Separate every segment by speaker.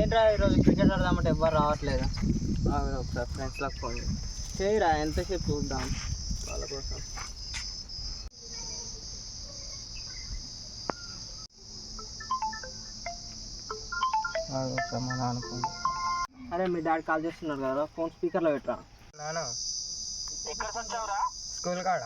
Speaker 1: ఏంట్రా ఈరోజు క్రికెట్ ఆడదామంటే ఎవ్వరు రావట్లేదు. ఒకసారి ఫ్రెండ్స్లకు ఫోన్ చేయరా, ఎంతసేపు చూద్దాం వాళ్ళ కోసం. ఒకసారి మా నాన్న ఫోన్. అరే మీ డాడీ కాల్ చేస్తున్నారు కదా, ఫోన్ స్పీకర్లో పెట్టరా.
Speaker 2: నాన్న స్కూల్ కాడ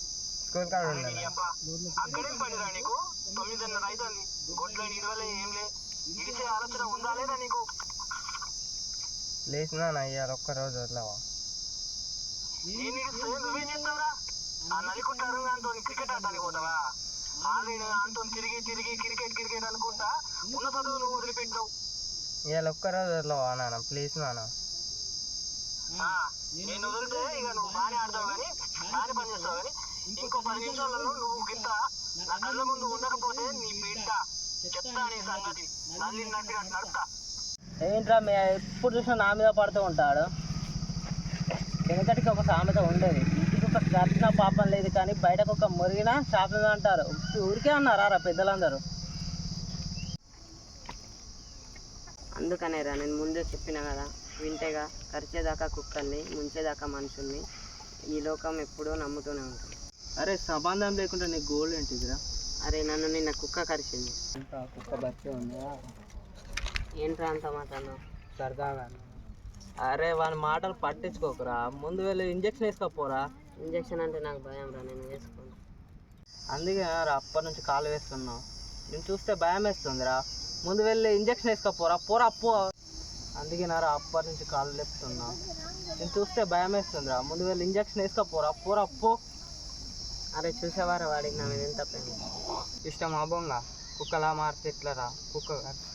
Speaker 3: అక్కడేం పనిరా నీకు? 9:30 అవుతుంది. గొడ్లని ఇరవలే ఏం లే, ఇడిసే ఆలోచన ఉందా లేదా నీకు?
Speaker 2: ప్లీజ్ నాన్న ఇవాళ ఒక్కరోజు వదలవా?
Speaker 3: నేను ఇడిస్తే నువ్వేం చెప్తావురా? ఆ నలికుంటారు అంతో క్రికెట్ ఆడటానికి పోతావా? ఆల్రెడీ అంతో తిరిగి క్రికెట్ అనుకుంటా ఉన్న చదువు నువ్వు వదిలిపెట్టావు.
Speaker 2: ఇవాళ ఒక్కరోజు వదలవా నాన్న, ప్లీజ్ నాన్న.
Speaker 3: నేను వదిలితే ఇక నువ్వు బాగానే ఆడతావు కానీ బాగానే పని చేస్తావు కానీ ఇంకో 10 నిమిషాలలో నువ్వు గిట్ట నా కళ్ళ ముందు ఉండకపోతే నీ బిడ్డ చెప్తా నీ సంగతి. నల్లినట్టుగా నడుస్తా.
Speaker 1: ఏంట్రా మీ ఎప్పుడు చూసినా నా మీద పడుతూ ఉంటాడు. వెనకటికి ఒక సామెత ఉండేది, ఇంటికి ఒక కట్టిన పాపం లేదు కానీ బయటకు ఒక మురిగిన శాపం అంటారు. ఊరికే అన్నారా పెద్దలందరూ.
Speaker 4: అందుకనేరా నేను ముందే చెప్పిన కదా, వింటేగా కరిచేదాకా కుక్కల్ని ముంచేదాకా మనుషుల్ని ఈ లోకం ఎప్పుడూ నమ్ముతూనే ఉంటుంది.
Speaker 1: అరే సంబంధం లేకుండా నీ గోల్ ఏంటిదిరా?
Speaker 4: అరే నన్ను నిన్న కుక్క కరిచింది.
Speaker 1: కుక్క బచ్చే ఉందా?
Speaker 4: ఏంట్రా అంత మాట్లాడినావు?
Speaker 1: సరదాగా. అరే వాని మాటలు పట్టించుకోకురా, ముందు వెళ్ళి ఇంజక్షన్ వేసుకోపోరా.
Speaker 4: ఇంజక్షన్ అంటే నాకు భయం రా, నేను వేసుకోను.
Speaker 1: అందుకే రా అప్పటి నుంచి కాలు వేస్తున్నావు. నేను చూస్తే భయం వేస్తుందిరా, ముందు వెళ్ళి ఇంజక్షన్ వేసుకోపోరా. పోరా పో. అందుకే నారా అప్పటి నుంచి కాలు లేపుతున్నా. నేను చూస్తే భయం వేస్తుందిరా, ముందు వెళ్ళి ఇంజక్షన్ వేసుకోపోరా. పోరా పో.
Speaker 4: అరే చూసేవారా వాడికి నా మీద ఎంత ప్రేమ.
Speaker 2: ఇష్టం అబ్బోంగా కుక్కలా మారితే ఎట్లరా? కుక్క